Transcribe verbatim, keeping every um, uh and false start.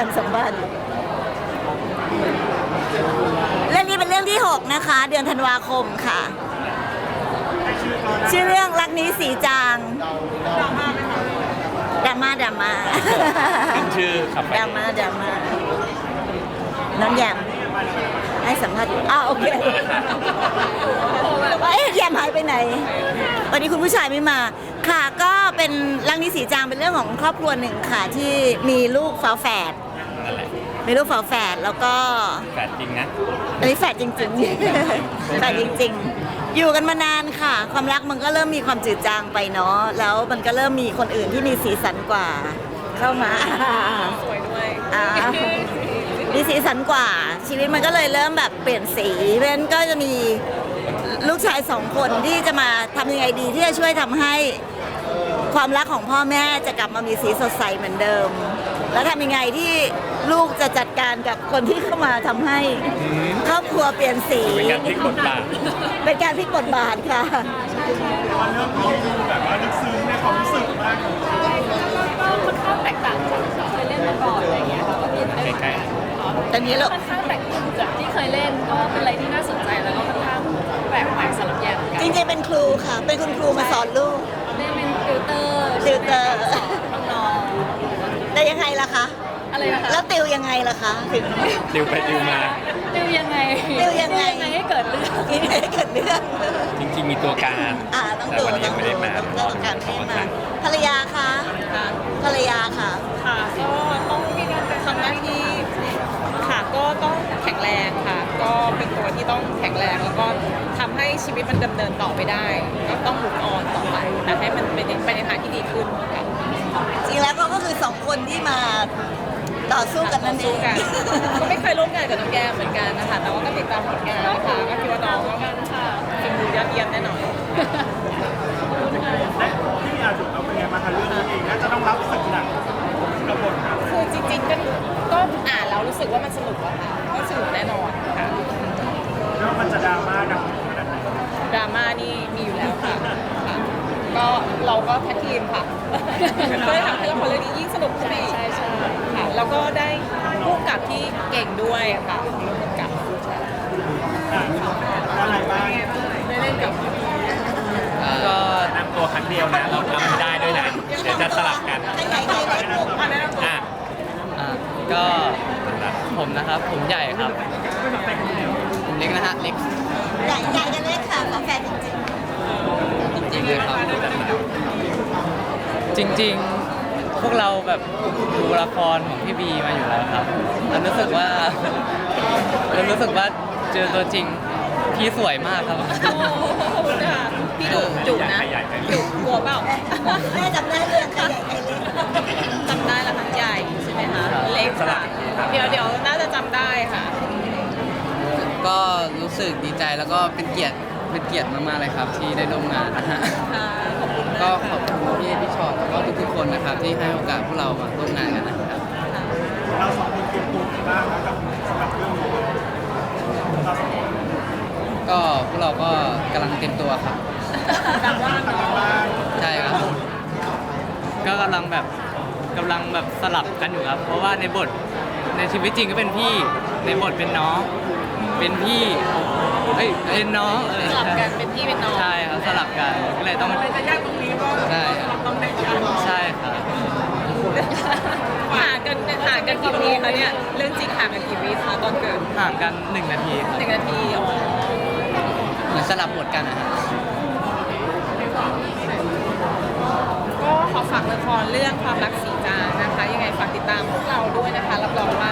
มสัมพันธ์เรื่องนี้เป็นเรื่องที่หกนะคะเดือนธันวาคมค่ะชื่อเรื่องรักนี้สีจางดราม่าดราม่าดราม่าชื่อขับดราม่าดราม่าน้องแยมให้สัมภาษณ์อ้าวโอเคว่าเอ๊ะแยมหายไปไหนวันนี้คุณผู้ชายไม่มาค่ะก็เป็นรักนี้สีจางเป็นเรื่องของครอบครัวหนึ่งค่ะที่มีลูกฝาแฝดมีลูกฝาแฝดแล้วก็แฝดจริงนะอันนี้แฝดจริงๆแฝดจริงๆอยู่กันมานานค่ะความรักมันก็เริ่มมีความจืดจางไปเนาะแล้วมันก็เริ่มมีคนอื่นที่มีสีสันกว่าเข้ามาสวยด้วยมีสีสันกว่าชีวิตมันก็เลยเริ่มแบบเปลี่ยนสีเพราะฉะนั้นก็จะมีลูกชายสองคนที่จะมาทำยังไงดีที่จะช่วยทำให้ความรักของพ่อแม่จะกลับมามีสีสดใสเหมือนเดิมแล้วทำยังไงที่ลูกจะจัดการกับคนที่เข้ามาทำให้ครอบครัวเปลี่ยนสีเป็นการพลิกบทบาทเป็นการพลิกบทบาทค่ะวันเรื่องนี้ดูแบบว่าลึกซึ้งในความรู้สึกมากก็ค่อนข้างแตกต่างจากที่เคยเล่นมาก่อนอะไรเงี้ยค่ะก็ตื่นเต้นตอนนี้เราค่อนข้างแตกต่างจากที่เคยเล่นก็เป็นอะไรที่น่าสนใจแล้วก็ค่อนข้างแปลกใหม่สำหรับแยมเหมือนกันจริงๆเป็นครูค่ะเป็นคุณครูมาสอนลูกเล่นเป็นติวเตอร์ติวเตอร์สอนน้องแต่ยังไงล่ะคะอะไรนะคะแล้วติวยังไงล่ะคะถึงติวไปติวมาติวยังไงติวยังไงให้เกิดเรื่องให้เกิดเรื่องจริงๆมีตัวการอ่าต้องดูต้องดูต้องตัวการไม่มาภรรยาคะภรรยาค่ะค่ะก็ต้องทำหน้าที่ค่ะก็ต้องแข็งแรงค่ะก็เป็นตัวที่ต้องแข็งแรงแล้วก็ทำให้ชีวิตมันดำเนินต่อไปได้ก็ต้องมุกออนต่อไปแต่ให้มันไปในทางที่ดีขึ้นค่ะจริงแล้วก็คือสองคนที่มาต่อสู้กันนั่นเองก็ไม่เคยร่วมงานกับน้องแยมเหมือนกันนะคะแต่ว่าก็ติดตามผลงานนะคะก็คิดว่าน้องก็เป็นมือยอดเยี่ยมแน่นอนและที่มีอาจุดเราเป็นไงมาทำเรื่องนี้เองน่าจะต้องรับสึกหนักกับบทคือจริงๆก็ก็อ่านแล้วรู้สึกว่ามันสนุกอะค่ะก็สนุกแน่นอนค่ะแล้วมันจะดราม่าดังขนาดไหนดราม่านี่มีอยู่แล้วค่ะก็เราก็แท็กทีมค่ะก็เลยทำให้ละครเรื่องนี้ยิ่งสนุกขึ้นไปอีกใช่ใช่ค่ะแล้วก็ได้ผู้กำกับที่เก่งด้วยค่ะผู้กำกับอะไรบ้างได้เล่นกับก็นำตัวครั้งเดียวนะเราทำไม่ได้ด้วยนะเดี๋ยวจะสลับกันอ่ะก็ผมนะครับผมใหญ่ครับผมเล็กนะฮะเล็กใหญ่ใหญ่กันเล็กค่ะขอแฟนจริงจริงเลยครับจริงๆพวกเราแบบดูละครของพี่บีมาอยู่แล้วครับเรารู้สึกว่าเรารู้สึกว่าเจอตัวจริงพี่สวยมากครับพี่ดุจุนะดุกลัวเปล่าแม่จำได้เรื่องใครใหญ่ใครเล็กจำได้ละทั้งใหญ่ใช่ไหมคะเล็กค่ะเดี๋ยวเดี๋ยวน่าจะจำได้ค่ะก็รู้สึกดีใจแล้วก็เป็นเกียรติเป็นเกียรติมากๆเลยครับที่ได้ร่วมงานนะฮะก็ขอบคุณพี่พี่ชอตแล้วก็ทุกๆคนนะครับที่ให้โอกาสพวกเรามาร่วมงานกันนะครับเราสองคนเตรียมตัวบ้างกับสำหรับเรื่องนี้ก็พวกเราก็กำลังเตรียมตัวครับใช่ครับก็กำลังแบบกำลังแบบสลับกันอยู่ครับเพราะว่าในบทในชีวิตจริงก็เป็นพี่ในบทเป็นน้องเป็นพี่เฮ้ยเป็นน้องสลับกันเป็นพี่เป็นน้องใช่ครับสลับกันก็เลยต้องจะยากตรงนี้ก็ใช่ต้องได้กันใช่ครับห่างกันห่างกันกี่ปีคะเนี่ยเรื่องจริงห่างกันกี่ปีคะตอนเกิดห่างกันหนึ่งนาทีหนึ่งนาทีอ๋อเหมือนสลับบทกันนะฮะก็ขอฝากละครเรื่องความรักสีจางนะคะยังไงฝากติดตามพวกเราด้วยนะคะรับรองว่า